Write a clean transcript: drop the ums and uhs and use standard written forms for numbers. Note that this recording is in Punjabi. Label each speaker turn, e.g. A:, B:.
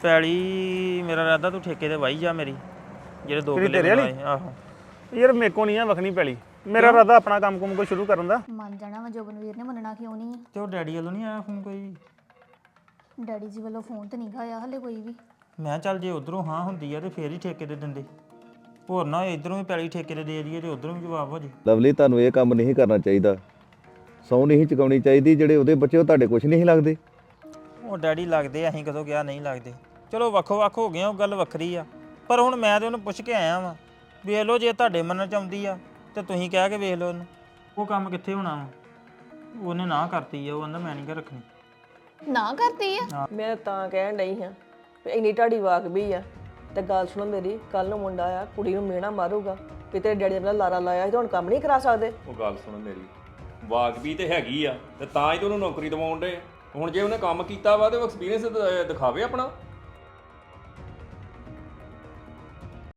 A: ਪੈਲੀ ਮੇਰਾ ਇਰਾਦਾ ਤੂੰ ਠੇਕੇ ਤੇ ਵਾਈ ਜਾ ਮੇਰੀ ਜਿਹੜੇ 2 ਕਿੱਲੇ
B: ਤੇਰੇ ਵਾਲੀ?
A: ਬਣਾਏ ਆਹੋ
B: ਯਾਰ ਮੇਰੇ ਕੋ ਨਹੀਂ ਆ ਵਖਣੀ ਪੈਲੀ ਮੇਰਾ ਇਰਾਦਾ ਆਪਣਾ ਕੰਮ ਕੁਮ ਕੋਈ ਸ਼ੁਰੂ ਕਰਨ ਦਾ।
C: ਮੰਨ ਜਾਣਾ ਵਾ ਜੋਬਨਵੀਰ ਨੇ ਮੰਨਣਾ ਕਿਉਂ ਨਹੀਂ
A: ਤੇ ਉਹ ਡੈਡੀ ਵੱਲੋਂ ਨਹੀਂ ਆਇਆ ਫੋਨ ਕੋਈ ਵੀ?
C: ਡੈਡੀ ਜੀ ਵੱਲੋਂ ਫੋਨ ਤੇ ਨਹੀਂ ਆਇਆ ਹਲੇ ਕੋਈ ਵੀ।
A: ਮੈਂ ਚੱਲ ਜੇ ਉਧਰੋਂ ਹਾਂ ਹੁੰਦੀ ਆ ਤੇ ਫੇਰ ਹੀ ਠੇਕੇ ਤੇ ਦਿੰਦੇ, ਹੋਰ ਨਾ ਇਧਰੋਂ ਵੀ ਪੈਲੀ ਠੇਕੇ ਤੇ ਦੇ ਦਈਏ ਤੇ ਉਧਰੋਂ ਵੀ ਜਵਾਬ ਹੋ ਜੇ।
D: ਲਵਲੀ ਤੁਹਾਨੂੰ ਇਹ ਕੰਮ ਨਹੀਂ ਕਰਨਾ ਚਾਹੀਦਾ, ਸਹੁੰ ਨਹੀਂ ਚੁਕਾਉਣੀ ਚਾਹੀਦੀ। ਜਿਹੜੇ ਉਹਦੇ ਬੱਚੇ ਉਹ ਤੁਹਾਡੇ ਕੁਝ ਨਹੀਂ ਲੱਗਦੇ।
A: ਉਹ ਡੈਡੀ ਲੱਗਦੇ ਅਸੀਂ ਕਦੋਂ ਗਿਆ ਨਹੀਂ ਲੱਗਦੇ, ਚਲੋ ਵੱਖੋ ਵੱਖ ਹੋ ਗਏ ਉਹ ਗੱਲ ਵੱਖਰੀ ਆ। ਪਰ ਹੁਣ ਮੈਂ ਤੇ ਉਹਨੂੰ ਪੁੱਛ ਕੇ ਆਇਆ ਵਾਂ, ਵੇਖ ਲਓ ਜੇ ਤੁਹਾਡੇ ਮੰਨਣ ਚ ਆਉਂਦੀ ਆ ਤੇ ਤੁਸੀਂ ਕਹਿ ਕੇ ਵੇਖ ਲਓ ਉਹਨੂੰ। ਉਹ ਕੰਮ ਕਿੱਥੇ ਹੋਣਾ ਵਾ, ਉਹਨੇ ਨਾ ਕਰਤੀ ਆ, ਉਹ ਕਹਿੰਦਾ ਮੈਂ ਨਹੀਂ ਘਰ ਰੱਖਣੀ।
C: ਨਾ ਕਰਤੀ ਆ?
E: ਮੈਂ ਤਾਂ ਕਹਿਣ ਡਈ ਹਾਂ ਵੀ ਇੰਨੀ ਢਾਡੀ ਵਾਕ ਵੀ ਆ। ਤੇ ਗੱਲ ਸੁਣੋ ਮੇਰੀ, ਕੱਲ ਨੂੰ ਮੁੰਡਾ ਆ ਕੁੜੀ ਨੂੰ ਮਿਹਣਾ ਮਾਰੂਗਾ ਵੀ ਤੇਰੇ ਡੈਡੀ ਨੇ ਲਾਰਾ ਲਾਇਆ ਸੀ ਤੇ ਹੁਣ ਕੰਮ ਨਹੀਂ ਕਰਾ ਸਕਦੇ।
F: ਉਹ ਗੱਲ ਸੁਣ ਮੇਰੀ, ਵਾਕਬੀ ਤੇ ਹੈਗੀ ਆ ਤੇ ਤਾਂ ਹੀ ਤੇ ਉਹਨੂੰ ਨੌਕਰੀ ਦਿਵਾਉਣ ਦੇ। ਹੁਣ ਜੇ ਉਹਨੇ ਕੰਮ ਕੀਤਾ ਵਾ ਤੇ ਉਹ ਐਕਸਪੀਰੀਅੰਸ ਦਿਖਾਵੇ ਆਪਣਾ।